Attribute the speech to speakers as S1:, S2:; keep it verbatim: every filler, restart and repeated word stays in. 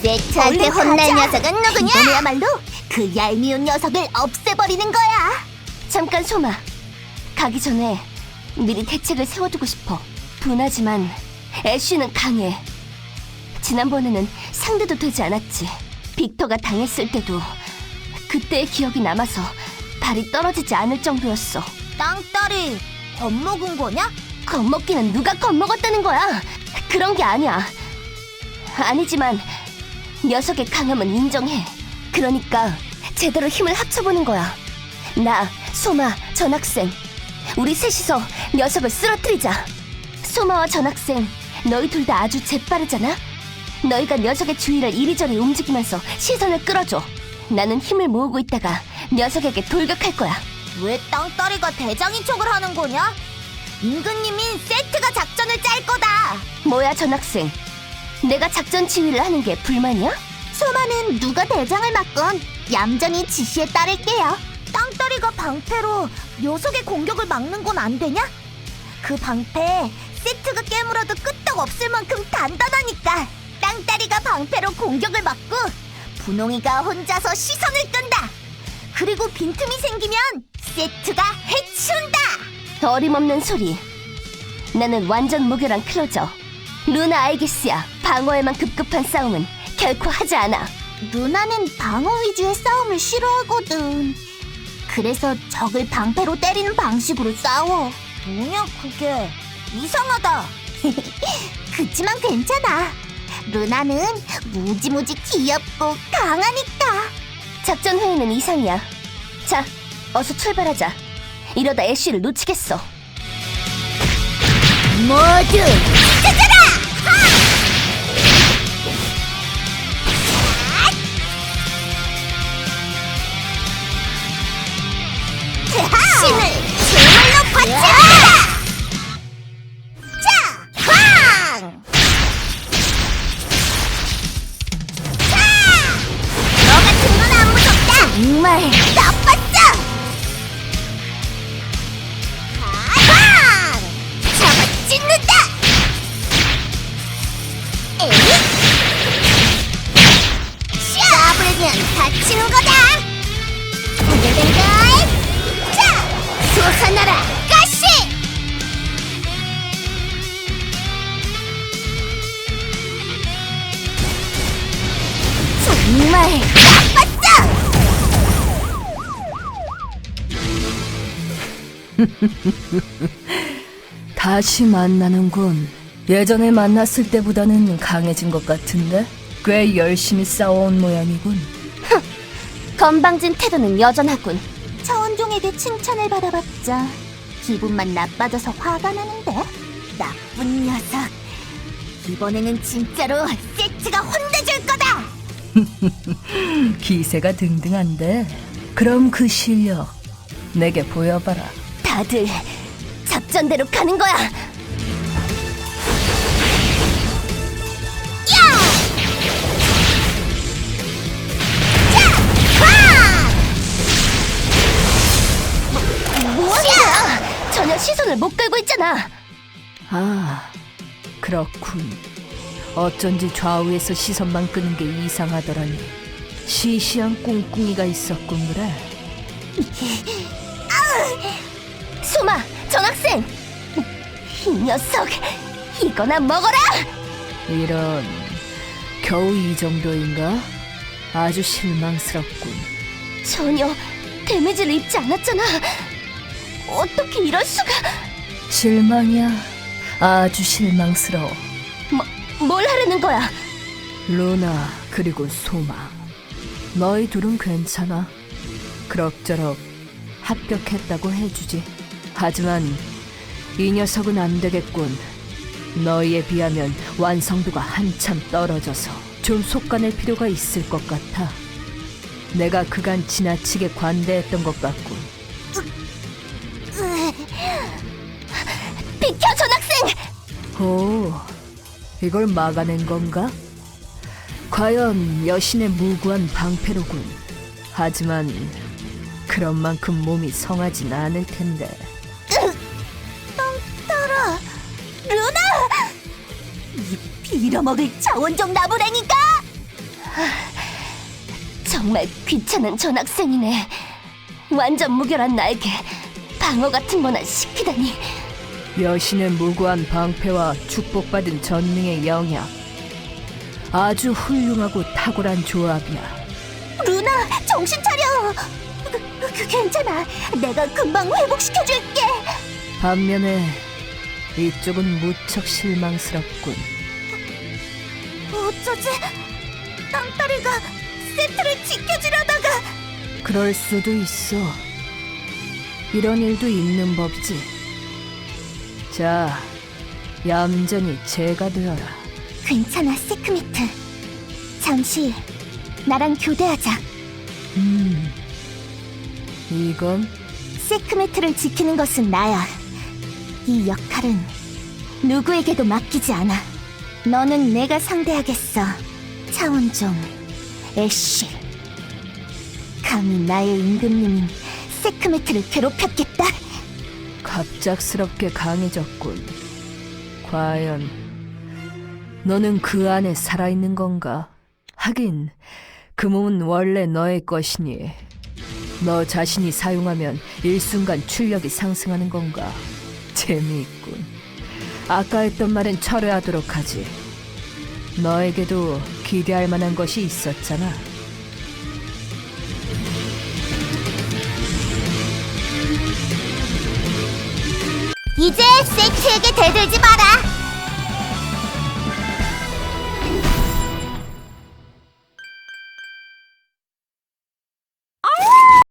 S1: 세트한테
S2: 얼른
S1: 혼날
S2: 가자.
S1: 녀석은 누구냐?
S2: 이번에야말로 그 얄미운 녀석을 없애버리는 거야.
S3: 잠깐 소마. 가기 전에 미리 대책을 세워두고 싶어. 분하지만 애쉬는 강해. 지난번에는 상대도 되지 않았지. 빅터가 당했을 때도 그때의 기억이 남아서 발이 떨어지지 않을 정도였어.
S1: 땅딸이 겁먹은 거냐?
S3: 겁먹기는 누가 겁먹었다는 거야? 그런 게 아니야. 아니지만 녀석의 강함은 인정해. 그러니까 제대로 힘을 합쳐보는 거야. 나, 소마, 전학생 우리 셋이서 녀석을 쓰러뜨리자. 소마와 전학생 너희 둘 다 아주 재빠르잖아? 너희가 녀석의 주위를 이리저리 움직이면서 시선을 끌어줘. 나는 힘을 모으고 있다가 녀석에게 돌격할 거야.
S1: 왜 땅딸이가 대장인 척을 하는 거냐? 임금님인 세트가 작전을 짤 거다.
S3: 뭐야 전학생, 내가 작전 지휘를 하는 게 불만이야?
S2: 소마는 누가 대장을 맡건 얌전히 지시에 따를게요.
S1: 땅딸이가 방패로 녀석의 공격을 막는 건 안 되냐? 그 방패 세트가 깨물어도 끄떡 없을 만큼 단단하니까 땅딸이가 방패로 공격을 막고 분홍이가 혼자서 시선을 끈다. 그리고 빈틈이 생기면 세트가 해치운다.
S3: 어림없는 소리. 나는 완전 무결한 클로저. 루나 알기스야. 방어에만 급급한 싸움은 결코 하지 않아.
S2: 루나는 방어 위주의 싸움을 싫어하거든. 그래서 적을 방패로 때리는 방식으로 싸워.
S1: 뭐냐 그게. 이상하다.
S2: 그치만 괜찮아. 루나는 무지무지 귀엽고 강하니까.
S3: 작전 회의는 이상이야. 자, 어서 출발하자. 이러다 애쉬를 놓치겠어.
S1: 모두
S2: 힘을 제물로 바쳐라! 자, 황! 자! 너 같은 건 안 무섭다!
S3: 정말
S2: 나빴어! 황! 잡아 찢는다! 에잇! 까불면 다치는 거다! 오늘된걸! 자! 솟아나라! 가시!
S3: 정말
S2: 나빴어!
S4: 다시 만나는군. 예전에 만났을 때보다는 강해진 것 같은데? 꽤 열심히 싸워온 모양이군.
S3: 건방진 태도는 여전하군.
S2: 차원종에게 칭찬을 받아봤자 기분만 나빠져서 화가 나는데?
S1: 나쁜 녀석. 이번에는 진짜로 세트가 혼내줄 거다.
S4: 기세가 등등한데? 그럼 그 실력 내게 보여봐라.
S3: 다들 작전대로 가는 거야. 뭐야? 전혀 시선을 못 끌고 있잖아.
S4: 아, 그렇군. 어쩐지 좌우에서 시선만 끄는 게 이상하더라니. 시시한 꿍꿍이가 있었군 그래.
S3: 소마, 전학생! 이 녀석, 이거나 먹어라!
S4: 이런, 겨우 이 정도인가? 아주 실망스럽군.
S3: 전혀 데미지를 입지 않았잖아. 어떻게 이럴 수가?
S4: 실망이야. 아주 실망스러워.
S3: 뭐, 뭘 하려는 거야?
S4: 루나 그리고 소마, 너희 둘은 괜찮아. 그럭저럭 합격했다고 해주지. 하지만 이 녀석은 안 되겠군. 너희에 비하면 완성도가 한참 떨어져서 좀 속아낼 필요가 있을 것 같아. 내가 그간 지나치게 관대했던 것 같군.
S3: 비켜, 전학생!
S4: 오, 이걸 막아낸 건가? 과연 여신의 무구한 방패로군. 하지만 그런 만큼 몸이 성하진 않을 텐데.
S2: 떨어! 루나! 이 빌어먹을 차원종 나부랭이가!
S3: 정말 귀찮은 전학생이네. 완전 무결한 나에게 방어 같은 거나 시키다니.
S4: 여신의 무고한 방패와 축복받은 전능의 영약. 아주 훌륭하고 탁월한 조합이야.
S2: 루나, 정신 차려. 그, 그, 괜찮아. 내가 금방 회복시켜줄게.
S4: 반면에 이쪽은 무척 실망스럽군.
S1: 어쩌지? 땅따리가 세트를 지켜주려다가
S4: 그럴 수도 있어. 이런 일도 있는 법이지. 자, 얌전히 제가 되어라.
S1: 괜찮아, 세크미트. 잠시 나랑 교대하자.
S4: 음, 이건
S1: 세크미트를 지키는 것은 나야. 이 역할은 누구에게도 맡기지 않아. 너는 내가 상대하겠어. 차원종 애쉬. 감히 나의 임금님인 세크미트를 괴롭혔겠다.
S4: 갑작스럽게 강해졌군. 과연 너는 그 안에 살아있는 건가? 하긴 그 몸은 원래 너의 것이니 너 자신이 사용하면 일순간 출력이 상승하는 건가? 재미있군. 아까 했던 말은 철회하도록 하지. 너에게도 기대할 만한 것이 있었잖아.
S1: 이제 세트에게 대들지 마라.